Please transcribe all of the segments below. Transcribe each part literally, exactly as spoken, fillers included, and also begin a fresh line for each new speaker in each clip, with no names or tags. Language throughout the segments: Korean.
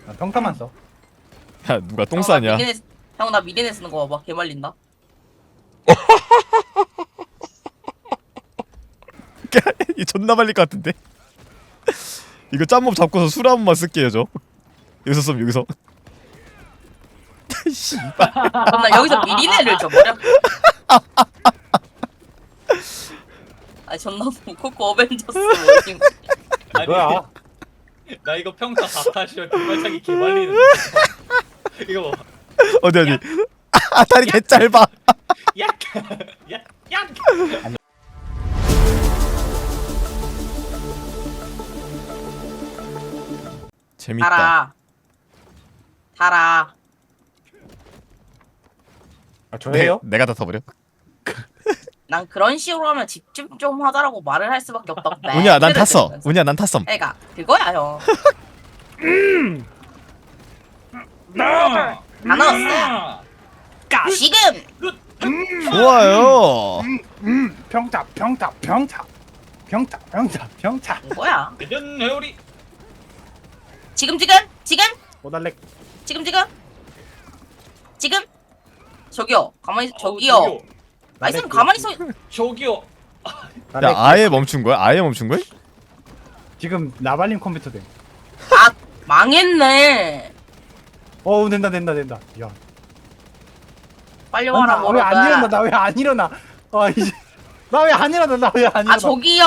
나 평타만 써.
야 누가 똥 싸냐?
형 나 미리네 쓰는 거 봐봐. 개말린다.
이 존나 말릴 것 같은데. 이거 짬몸 잡고서 술 한 번만 쓸게요 저. 여기서 쏨 여기서. 씨발.
그럼 나 여기서 미리네를 줘버려. 아 존나 코코 어벤져스 뭐지?
뭐야?
나 이거 평타 사타시어 뒷발차기 개말리는 이거 봐.
어디 어디. 아 다리 개 짧아.
약! 약! 약!
재밌다.
달아. 달아.
아 저예요?
내, 내가 다 터버려.
난 그런 식으로 하면 집중 좀 하자라고 말을 할 수밖에 없다고.
운이야 난 탔어. 운이야 난 탔어.
애가 그거야 형. 다 넣었어. 지금.
좋아요.
음 평타 평타 평타 평타 평타 평타.
뭐야?
대전 회오리
지금 지금 지금
오달렉.
지금 지금 지금 저기요 가만히 있- 저기요.
어우,
아 있으면 가만히 서.
저기요
야 아예 멈춘 거야? 아예 멈춘 거야?
지금 나발림 컴퓨터 돼.
아 망했네.
어우 된다 된다 된다. 야.
빨리 와라
왜 안 일어나?
뭐라.
나 왜 안 일어나? 아 이제 나 왜 안 일어나? 나 왜 안 일어나?
아 저기요.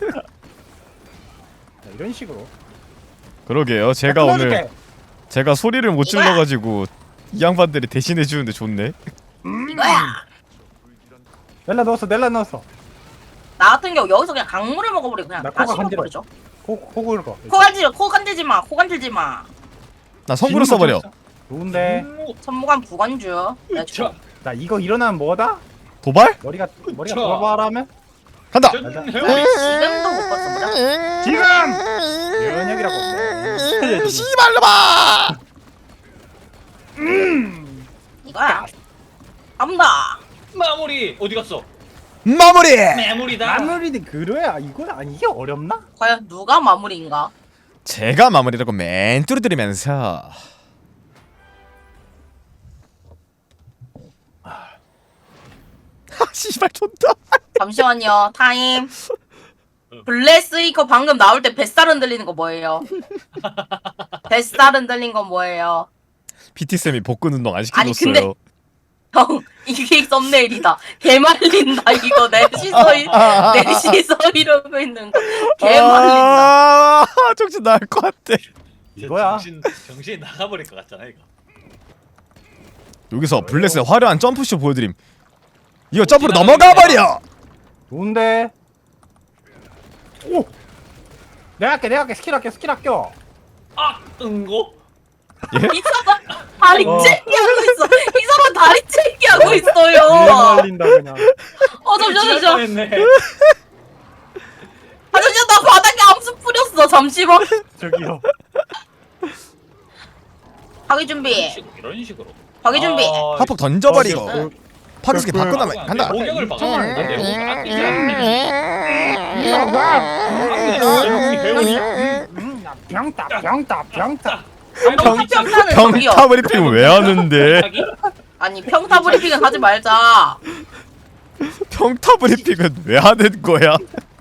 자, 이런 식으로.
그러게요. 제가
나
오늘
끊어줄게.
제가 소리를 못
이거야.
질러가지고 이 양반들이 대신해 주는데 좋네.
이거야.
넬라 넣었어 넬라 넣었어.
나 같은 경우 여기서 그냥 강물을 먹어버리고 그냥
나
다
코가 간지러.
씹어버리죠.
코코 긁어.
코 간질 코 간질지 마. 코 간질지 마.
나 성구로 써버려.
좋은데.
음,
천무관 부관주. 내가
저
줘.
나 이거 일어나면 뭐다?
도발?
머리가 머리가
저.
돌아바라면
간다.
대전
맞아.
회오리
지금도 못 봤어 뭐야?
지금 연역이라고. 네.
씨발로마.
이거야. 간다.
마무리 어디 갔어?
마무리.
마무리다
마무리는 그래야 이거 아니 이게 어렵나?
과연 누가 마무리인가?
제가 마무리라고 멘트를 드리면서 아 씨발 존나.
잠시만요. 타임. 블레스이커 방금 나올 때 뱃살 흔들리는 거 뭐예요? 뱃살 흔들린 건 뭐예요?
피티 쌤이 복근 운동 안
아니,
시켜줬어요.
근데- 형 이게 썸네일이다. 개 말린다 이거 넷이서 넷이서 이러고 있는 거. 개 말린다.
아 정신 나갈 것 같아.
이거야.
정신, 정신이 나가버릴 것 같잖아 이거
여기서 블레스의 화려한 점프쇼 보여드림. 이거 점프로 넘어가 버려.
좋은데. 오. 내가 할게 내가 할게 스킬 할게 스킬 할게.
아! 응고?
예?
이 사람 다리
어.
찢기 하고 있어. 이 사람 다리 찢기 하고
왜
있어요.
말린다 그냥.
어 잠시만 잠시만.
했네
아 잠시만 나 바닥에 암수 뿌렸어. 잠시만.
저기요.
파괴 준비.
이런 식으로, 이런 식으로
파괴 준비.
아,
화폭 던져버리고
어,
파괴스키 바꿔 나면
내
간다.
공격을 막아봤는데 내 공격 아끼지 않네
음, 야, 병타 병타 병타.
평타 평타는 저기요.
평타 브리핑 왜 하는데?
아니 평타 브리핑은 하지 말자.
평타 브리핑은 왜 하는 거야?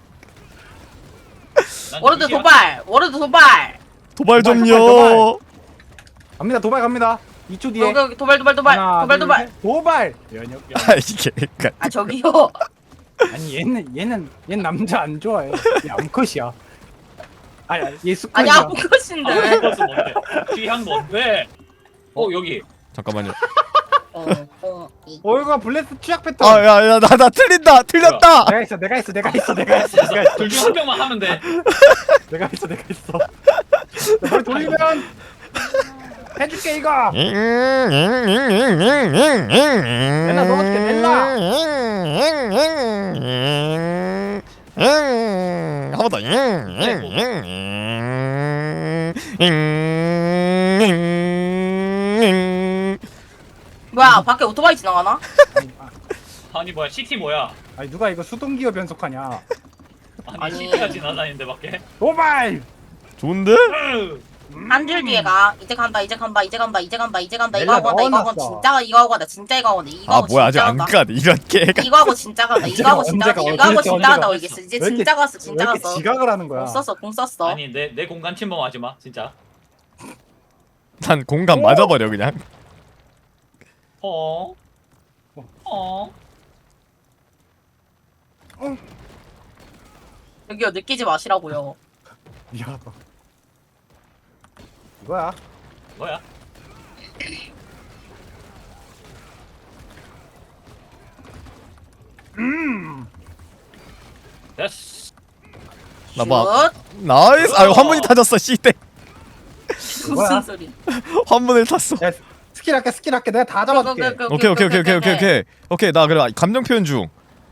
워르드 도발. 워르드 도발.
도발
도발,
좀요.
갑니다 도발 갑니다. 이 초 뒤에.
여기 도발 도발 도발
하나,
도발
둘,
도발.
셋. 도발. 연역.
아 이게 그러니까
아 저기요.
아니 얘는 얘는 얘는 남자 안 좋아해. 얘 암컷이야. 아니 얘
아니
수컷이야.
아무것인데.
이것은 뭔데? 귀한 뭔데? 어 여기
잠깐만요.
어, 어, 이.
어이가 블레스 취약 패턴.
아야야 나 나 틀린다 틀렸다.
내가 있어 내가 있어 내가 있어 내가 있어 내가 있어
둘 중 한 명만 하면 돼
내가 있어 내가 있어. 나 머리 돌리면 해줄게 이거.
넬라
넣어줄게, 넬라.
한번 더.
뭐야 밖에 오토바이 지나가나?
아니 뭐야 시티 뭐야
아니 누가 이거 수동기어 변속하냐.
아니,
아니.
시티가 지나다니는데 밖에
도발.
좋은데?
으,
한 줄 뒤에 가. 이제 간다 이제 간다 이제 간다 이제 간다 이제 간다 이거
넬라
하고 간다 이거 하고
넣어놨어.
진짜 이거 하고 간다 진짜 이거 하고 간다 이거
아
하고
뭐야 아직
진짜
안
간다.
가네 이런 개가.
이거 하고 진짜 간다 이거 하고 진짜 간다
언제가,
이거 하고
언제가,
진짜 간다
언제가.
이게 이제
왜 이렇게-
진짜 갔어
왜
진짜
이렇게
갔어.
지각을 하는 거야?
공 썼어 공 썼어.
아니 내 내 공간 침범하지 마 진짜.
난 공간
오!
맞아버려 그냥.
어. 어.
여기요 느끼지 마시라고요.
미안하다. 이거야.
뭐야? 됐어.
나 봐.
슛.
나이스. 아유 환문이 타졌어 씨대.
뭐야?
무슨 소리?
환문을 탔어.
야, 스킬 할게 스킬 할게 내가 다 잡아줄게.
오케이 오케이 오케이 오케이 오케이 오케이 오케이 나 그래 감정 표현 중.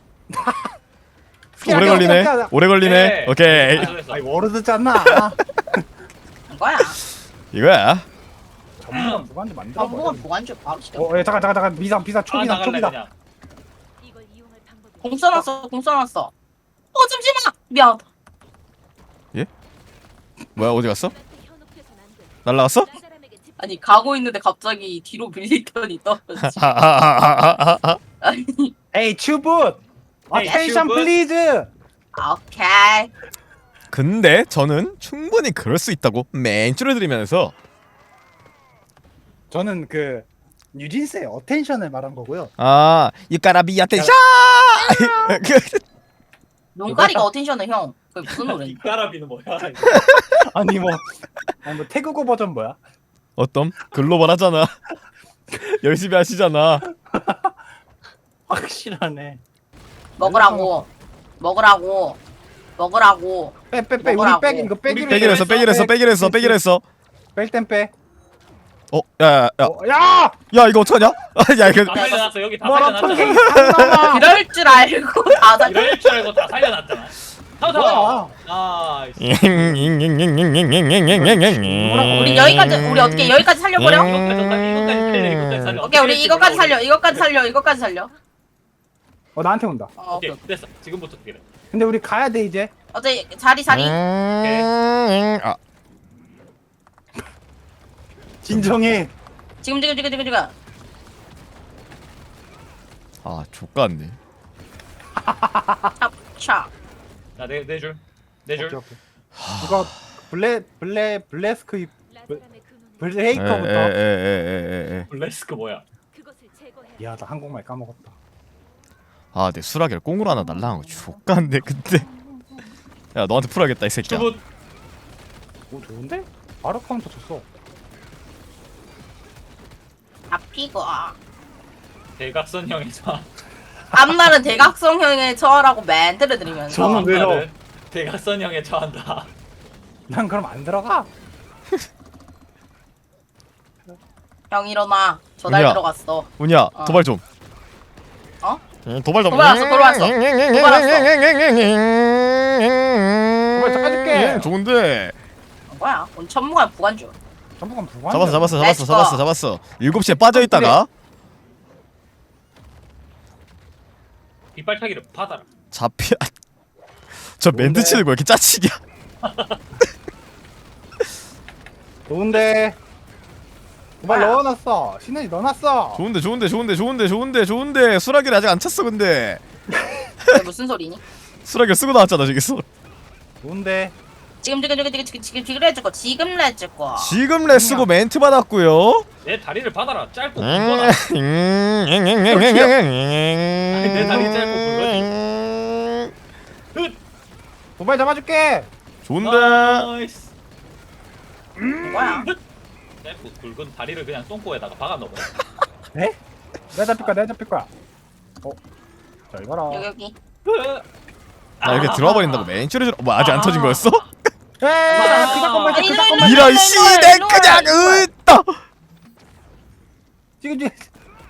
스킬
오래
할게,
걸리네.
스킬 할게.
오래 걸리네.
네.
오케이
아, 잘했어.
아이 워르드 짰나?
이거야.
이거야.
전문가 무관지 만들어
전부가
버려.
보관줄 바로 시켜.
어, 예, 잠깐 잠깐 잠깐 미상 비상
아
초비상
나갈래
초비상.
그냥.
이걸 이용할 방법이
공 써놨어 공 써놨어. 어 잠시만 미안.
뭐야 어디 갔어?
나한테 현혹돼선 안 돼.
날라갔어?
나 사람에게 집
아니 가고 있는데 갑자기 뒤로 밀리더니 떨어지.
아아아아아아.
아니
에이 츄붓.
에이,
어텐션
츄붓.
플리즈.
오케이.
근데 저는 충분히 그럴 수 있다고 맨 줄여드리면서
저는 그 뉴진스의 어텐션을 말한 거고요.
아 유까라비 아텐션.
눈가리가 어텐션은 형. 그게 무슨 노래?
이 까라비는 뭐야?
아니 뭐, 아니 뭐 태국어 버전 뭐야?
어떤 글로벌 하잖아. 열심히 하시잖아.
확실하네.
먹으라고. 먹으라고. 먹으라고.
빼빼빼 우리
먹으라고.
빼기 이거 빼기로
빼기로 했어 빼기로 했어 빼기로 했어 빼기로 했어.
뺄땐 빼.
어 야야야
어, 야!
야 이거 어떡하냐? 야 이거
다 살려놨어 여기 다
뭐라 턴
살려놨잖아.
이럴 줄 알고 다 잘.
이럴 줄 알고 다 살려놨잖아. 타타.
뭐야?
아.
우리 여기까지 우리 어떻게 여기까지 살려버려?
음.
이거까지 살려, 이거까지 살려, 이거까지 살려.
오케이 우리 이거까지 살려. 이거까지 살려. 이거까지 살려.
어 나한테 온다.
어, 오케이.
오케이 됐어. 지금부터 기래.
근데 우리 가야 돼 이제.
어제 자리 자리.
아
진정해.
지금 지금 지금 지금 지금.
아 족같네.
차.
자내내 줄. 내 줄.
오케이, 오케이. 이거 블레 블레 블레스크 입-
라사람의 근원은
블레이커부터.
에에에에에에.
블레스크 뭐야?
그것을 제거해.
미안하다 한국말 까먹었다.
아, 내 수라기를 꽁으로 하나 날라간 거 족같네 근데. 야 너한테 풀어야겠다 이 새끼야.
주부.
오 좋은데? 바로 카운터 줬어.
잡히고.
대각선형에서.
앞날은 대각성형의 처라고 멘트를 드리면서.
저는 왜요?
다음날은 대각선형에 처한다.
난 그럼 안 들어가.
형 일어나. 저날
은희야.
들어갔어.
운이야
어.
도발 좀.
어?
응, 도발 좀.
도발 왔어, 도발 왔어. 도발 왔어.
도발 잡아줄게.
좋은데.
뭐야? 오늘 천무관 부관주.
전부간 부관.
잡았어 잡았어 잡았어
렛츠고.
잡았어 잡았어. 일곱 시에 빠져 있다가
이빨타기를 받아라.
잡혀. 저 멘트
뭔데?
치는 거 왜 이렇게 짜치냐?
좋은데. 도발
뭐야?
넣어놨어. 신현이 넣어놨어.
좋은데 좋은데 좋은데 좋은데 좋은데 좋은데 수라기를 아직 안 찼어 근데.
이게 무슨 소리니?
수라기를 쓰고 나왔잖아 저기서.
좋은데.
지금 지금 지금 지금 지금 지금 지금 해줄 지금 해줄 거.
지금 레 쓰고 멘트 받았고요.
내 다리를 받아라. 짧고
음,
굵거나. 내 다리 짧고 굵거지.
도발 잡아줄게.
좋은데.
나이스.
뭐야?
짧고 굵은 다리를 그냥 똥꼬에다가 박아 넣어.
네? 내가 잡힐 거야. 내가 잡힐 거야. 어. 자 이거라.
여기 여기.
나 이렇게 들어와 버린다고 맨 줄에 뭐 아직 안 터진 거였어?
에이, 그 사건만
아니,
그
일로,
사건만.
일로,
이런
일로,
씨내
일로,
그냥
일로.
으따.
지금 지금.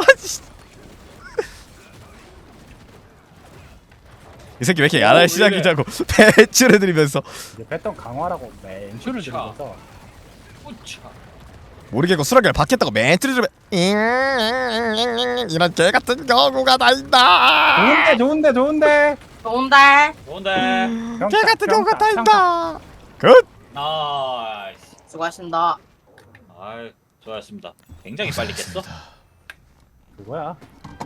이 새끼 왜 이렇게 야랄
오,
시작이자고 배출해 드리면서
이제 패턴 강화라고 멘트를 들어서.
우차.
모르겠고 수락을 받겠다고 멘트를 좀 해. 이런 개 같은 경우가 다 있다.
좋은데 좋은데 좋은데.
좋은데.
뭔데?
평타,
개 같은 경우가 다
평타,
있다. 굿.
나이스.
수고하신다.
아, 좋았습니다. 굉장히 빨리 깼어.
그거야.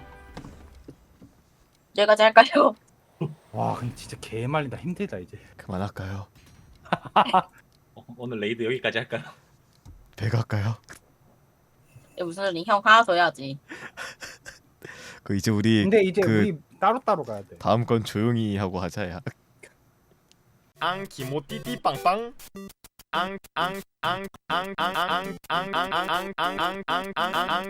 제가 잘까요?
와 근데 진짜 개 말린다. 힘들다 이제.
그만할까요?
어, 오늘 레이드 여기까지 할까요?
배가 할까요?
이게 무슨 소리? 형 하나 더 해야지.
그 이제 우리
근데 이제
그
우리 따로따로 가야 돼.
다음 건 조용히 하고 하자야. 앙 기모띠띠 빵빵. 앙 앙 앙 앙 앙 앙 앙 앙 앙 앙 앙 앙 앙